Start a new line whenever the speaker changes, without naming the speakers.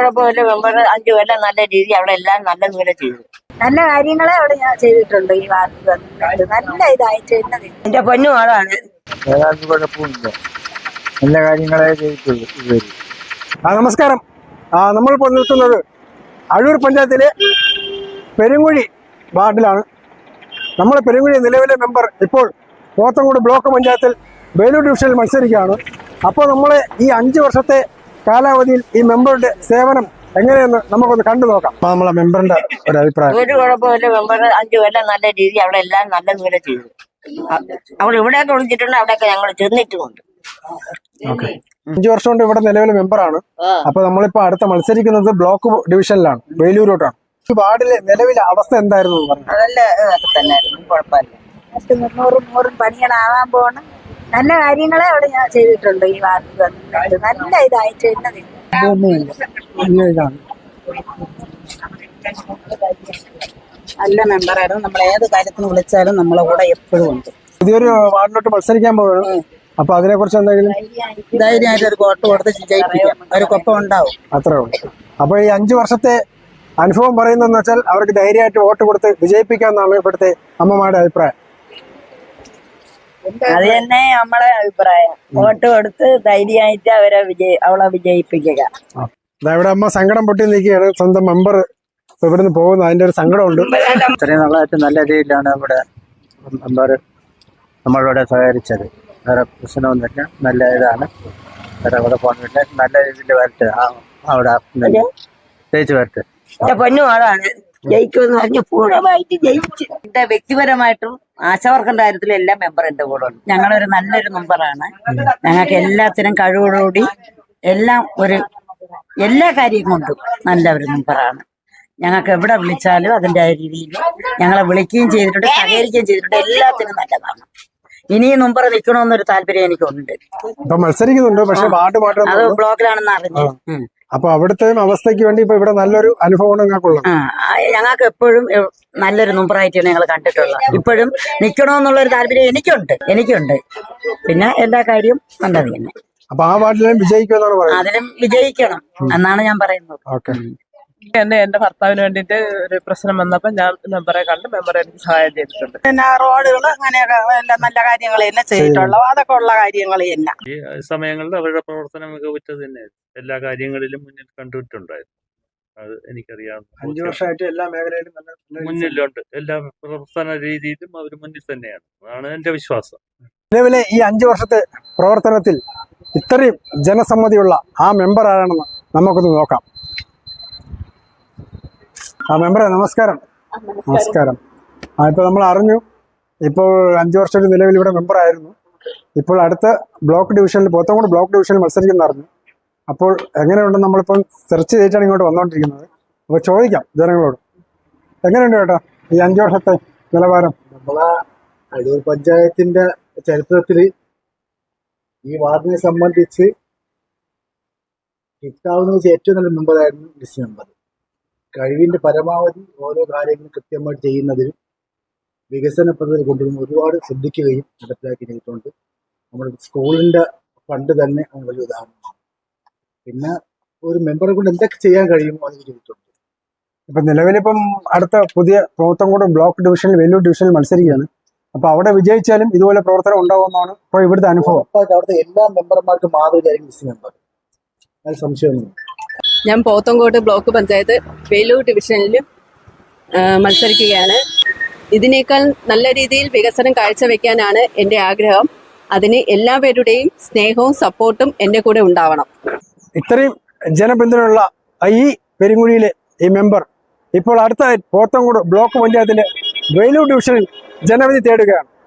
കുഴപ്പമില്ല. മെമ്പർ 5 കൊല്ലം നല്ല രീതി അവിടെ എല്ലാം നല്ല ദൂരെ ചെയ്തു.
നല്ല കാര്യങ്ങളെ അവിടെ ഞാൻ ചെയ്തിട്ടുണ്ട്. ഈ വാർഡ് നല്ല ഇതായിട്ട്
എന്റെ പൊന്നു ആളാണ്.
കുഴപ്പമില്ല, നല്ല കാര്യങ്ങളെ ചെയ്തിട്ടുള്ളൂ.
നമസ്കാരം. നമ്മളിപ്പോൾ നിൽക്കുന്നത് അഴൂർ പഞ്ചായത്തിലെ പെരുങ്കുഴി വാർഡിലാണ്. നമ്മുടെ പെരുങ്കുഴി നിലവിലെ മെമ്പർ ഇപ്പോൾ പോത്തങ്കോട് ബ്ലോക്ക് പഞ്ചായത്തിൽ വേലൂർ ഡിവിഷനിൽ മത്സരിക്കുകയാണ്. അപ്പോൾ നമ്മൾ ഈ 5 വർഷത്തെ കാലാവധിയിൽ ഈ മെമ്പറുടെ സേവനം എങ്ങനെയെന്ന് നമുക്കൊന്ന് കണ്ടു നോക്കാം. അപ്പൊ നമ്മളെ മെമ്പറിന്റെ ഒരു അഭിപ്രായം.
ഒരു കുഴപ്പമില്ല. മെമ്പർ 5 കൊല്ലം നല്ല രീതി അവിടെ എല്ലാം നല്ല ദൂരെ ചെയ്തു. അവൾ ഇവിടെയൊക്കെ വിളിച്ചിട്ടുണ്ട്, അവിടെയൊക്കെ ഞങ്ങൾ ചെന്നിട്ടുമുണ്ട്.
5 വർഷം കൊണ്ട് ഇവിടെ നിലവിലെ മെമ്പറാണ്. അപ്പൊ നമ്മളിപ്പോ അടുത്ത മത്സരിക്കുന്നത് ബ്ലോക്ക് ഡിവിഷനിലാണ്, വേലൂരോട്ടാണ്. ഈ വാർഡിലെ നിലവിലെ അവസ്ഥ എന്തായിരുന്നു?
അതല്ല തന്നെയായിരുന്നു, കുഴപ്പമില്ല.
100 പണികളാവാൻ പോണം. നല്ല കാര്യങ്ങളെ അവിടെ ഞാൻ ചെയ്തിട്ടുണ്ട്. ഈ വാർഡ് നല്ല ഇതായിട്ട്
നല്ല മെമ്പറായിരുന്നു. നമ്മൾ ഏത് കാര്യത്തിന് വിളിച്ചാലും നമ്മളെ കൂടെ എപ്പോഴും ഉണ്ട്.
പുതിയൊരു വാർഡിലോട്ട് മത്സരിക്കാൻ പോവുകയാണ്. അപ്പൊ അതിനെ കുറിച്ച് എന്തെങ്കിലും
ധൈര്യമായിട്ട് ഒരു വോട്ട് കൊടുത്ത് ജയിപ്പിക്കാം, ഒരു കൊപ്പം ഉണ്ടാവും.
അത്രേ ഉള്ളൂ. അപ്പൊ ഈ 5 വർഷത്തെ അനുഭവം പറയുന്നതെന്ന് വെച്ചാൽ അവർക്ക് ധൈര്യമായിട്ട് വോട്ട് കൊടുത്ത് വിജയിപ്പിക്കാമെന്നാണ് ഇവിടുത്തെ അമ്മമാരുടെ അഭിപ്രായം.
അത് തന്നെ നമ്മളെ അഭിപ്രായം. വോട്ട് കൊടുത്ത് ധൈര്യമായിട്ട് അവളെ വിജയിപ്പിക്കുക.
ഇവിടെ അമ്മ സങ്കടം പൊട്ടി നിൽക്കുകയാണ്. സ്വന്തം മെമ്പർ ഇവിടുന്ന് പോകുന്നു, അതിന്റെ ഒരു സങ്കടമുണ്ട്.
ഇത്രയും നാളായിട്ട് നല്ല രീതിയിലാണ് ഇവിടെ മെമ്പർ നമ്മളോട് സഹകരിച്ചത്. വേറെ പ്രശ്നമൊന്നുമില്ല, നല്ല ഇതാണ്. വേറെ അവിടെ പോകുന്നില്ല, നല്ല രീതിയിൽ വരട്ടെ. അവിടെ ജയിച്ചു വരട്ടെ.
എന്റെ പൊന്നു ആളാണ്. ജയിക്കുമെന്ന് പറഞ്ഞ് പൂർണ്ണമായിട്ട് ജയിച്ചു. എന്റെ വ്യക്തിപരമായിട്ടും ആശാവർക്കന്റെ കാര്യത്തിലും എല്ലാം മെമ്പർ എന്റെ കൂടെ ഉണ്ട്. ഞങ്ങളൊരു നല്ലൊരു മെമ്പറാണ്. ഞങ്ങൾക്ക് എല്ലാത്തിനും കഴിവോടുകൂടി എല്ലാ കാര്യം കൊണ്ടും നല്ല ഒരു മെമ്പറാണ്. ഞങ്ങൾക്ക് എവിടെ വിളിച്ചാലും അതിന്റെ രീതിയിൽ ഞങ്ങളെ വിളിക്കുകയും ചെയ്തിട്ടുണ്ട്, സഹകരിക്കുകയും ചെയ്തിട്ടുണ്ട്. എല്ലാത്തിനും നല്ലതാണ്. ഇനിയും മെമ്പർ നിൽക്കണമെന്നൊരു താല്പര്യം എനിക്കുണ്ട്.
മത്സരിക്കുന്നുണ്ട്, പക്ഷെ വാർഡ് മാത്രം
അത് ബ്ലോക്കിലാണെന്ന് അറിഞ്ഞു.
അപ്പൊ അവിടുത്തെ അവസ്ഥയ്ക്ക് വേണ്ടി ഇപ്പൊ ഇവിടെ നല്ലൊരു അനുഭവമാണ് ഞങ്ങൾക്കുള്ളത്.
ഞങ്ങൾക്ക് എപ്പോഴും നല്ലൊരു മെമ്പറായിട്ടാണ് ഞങ്ങൾ കണ്ടിട്ടുള്ളത്. ഇപ്പോഴും നിൽക്കണമെന്നുള്ളൊരു താല്പര്യം എനിക്കുണ്ട്. പിന്നെ എല്ലാ കാര്യവും നല്ലത് തന്നെ.
അപ്പൊ ആ വാർഡിലും വിജയിക്കുമെന്നാണ് പറയുന്നത്.
അതിലും വിജയിക്കണം എന്നാണ് ഞാൻ പറയുന്നത്.
ഓക്കെ.
എന്റെ ഭർത്താവിന് വേണ്ടിട്ട് ഒരു പ്രശ്നം വന്നപ്പോ ഞാൻ മെമ്പറെ കണ്ട് മെമ്പർ എനിക്ക് സഹായം ചെയ്തിട്ടുണ്ട്.
പിന്നെ റോഡുകൾ അങ്ങനെയൊക്കെ എല്ലാം നല്ല കാര്യങ്ങൾ തന്നെ ചെയ്തിട്ടുള്ളൂ. അതൊക്കെ ഉള്ള കാര്യങ്ങൾ തന്നെ.
ഈ സമയങ്ങളിൽ അവരുടെ പ്രവർത്തനം മികവുറ്റത് തന്നെയായിരുന്നു. എല്ലാ കാര്യങ്ങളിലും മുന്നിൽ കണ്ടിട്ടുണ്ടായിരുന്നു. അത് എനിക്കറിയാം.
5 വർഷമായിട്ട് എല്ലാ മേഖലയിലും
മുന്നിലുണ്ട്. എല്ലാ പ്രവർത്തന രീതിയിലും അവർ മുന്നിൽ തന്നെയാണ്. അതാണ് എന്റെ വിശ്വാസം.
നിലവിലെ ഈ 5 വർഷത്തെ പ്രവർത്തനത്തിൽ ഇത്രയും ജനസമ്മതിയുള്ള ആ മെമ്പർ ആരാണെന്ന് നമുക്കൊന്ന് നോക്കാം. മെമ്പറെ നമസ്കാരം. നമസ്കാരം. ഇപ്പൊ നമ്മൾ അറിഞ്ഞു, ഇപ്പോൾ 5 വർഷം നിലവിൽ ഇവിടെ മെമ്പറായിരുന്നു. ഇപ്പോൾ അടുത്ത ബ്ലോക്ക് ഡിവിഷനിൽ, പോത്തങ്കോട് ബ്ലോക്ക് ഡിവിഷനിൽ മത്സരിക്കുന്ന അറിഞ്ഞു. അപ്പോൾ എങ്ങനെയുണ്ടെന്ന് നമ്മളിപ്പം സെർച്ച് ചെയ്തിട്ടാണ് ഇങ്ങോട്ട് വന്നുകൊണ്ടിരിക്കുന്നത്. അപ്പോൾ ചോദിക്കാം ജനങ്ങളോട്, എങ്ങനെയുണ്ട് ചേട്ടാ ഈ 5 വർഷത്തെ നിലവാരം?
നമ്മളെ അഴൂർ പഞ്ചായത്തിന്റെ ചരിത്രത്തിൽ ഈ വാർഡിനെ സംബന്ധിച്ച് കിട്ടാവുന്ന ഏറ്റവും നല്ല മെമ്പറായിരുന്നു ലിസ്റ്റ് മെമ്പർ. കഴിവിന്റെ പരമാവധി ഓരോ കാര്യങ്ങളും കൃത്യമായിട്ട് ചെയ്യുന്നതിലും വികസന പദ്ധതി കൊണ്ടുവരുന്ന ഒരുപാട് ശ്രദ്ധിക്കുകയും നടപ്പിലാക്കി ചെയ്തിട്ടുണ്ട്. നമ്മുടെ സ്കൂളിന്റെ ഫണ്ട് തന്നെ വലിയ ഉദാഹരണമാണ്. പിന്നെ ഒരു മെമ്പറെ കൊണ്ട് എന്തൊക്കെ ചെയ്യാൻ കഴിയുമോ അത് ചെയ്തിട്ടുണ്ട്.
ഇപ്പൊ നിലവിലിപ്പം അടുത്ത പുതിയ പോത്തങ്കോട് ബ്ലോക്ക് ഡിവിഷനിൽ, വേലൂർ ഡിവിഷനിൽ മത്സരിക്കുകയാണ്. അപ്പൊ അവിടെ വിജയിച്ചാലും ഇതുപോലെ പ്രവർത്തനം ഉണ്ടാവുമെന്നാണ് ഇപ്പോൾ ഇവിടുത്തെ അനുഭവം.
അവിടുത്തെ എല്ലാ മെമ്പർമാർക്കും മാതൃകയായിരിക്കും ലിസ്റ്റ് മെമ്പർ, അത് സംശയമൊന്നുമില്ല.
ഞാൻ പോത്തങ്കോട് ബ്ലോക്ക് പഞ്ചായത്ത് വേലൂർ ഡിവിഷനിലും മത്സരിക്കുകയാണ്. ഇതിനേക്കാൾ നല്ല രീതിയിൽ വികസനം കാഴ്ചവെക്കാനാണ് എൻ്റെ ആഗ്രഹം. അതിന് എല്ലാവരുടെയും സ്നേഹവും സപ്പോർട്ടും എൻ്റെ കൂടെ ഉണ്ടാവണം.
ഇത്രയും ജനപിന്തുണയുള്ള ഈ പെരുങ്കുഴിയിലെ ഈ മെമ്പർ ഇപ്പോൾ അടുത്ത പോത്തങ്കോട് ബ്ലോക്ക് പഞ്ചായത്തിലെ വേലൂർ ഡിവിഷനിൽ ജനവിധി തേടുകയാണ്.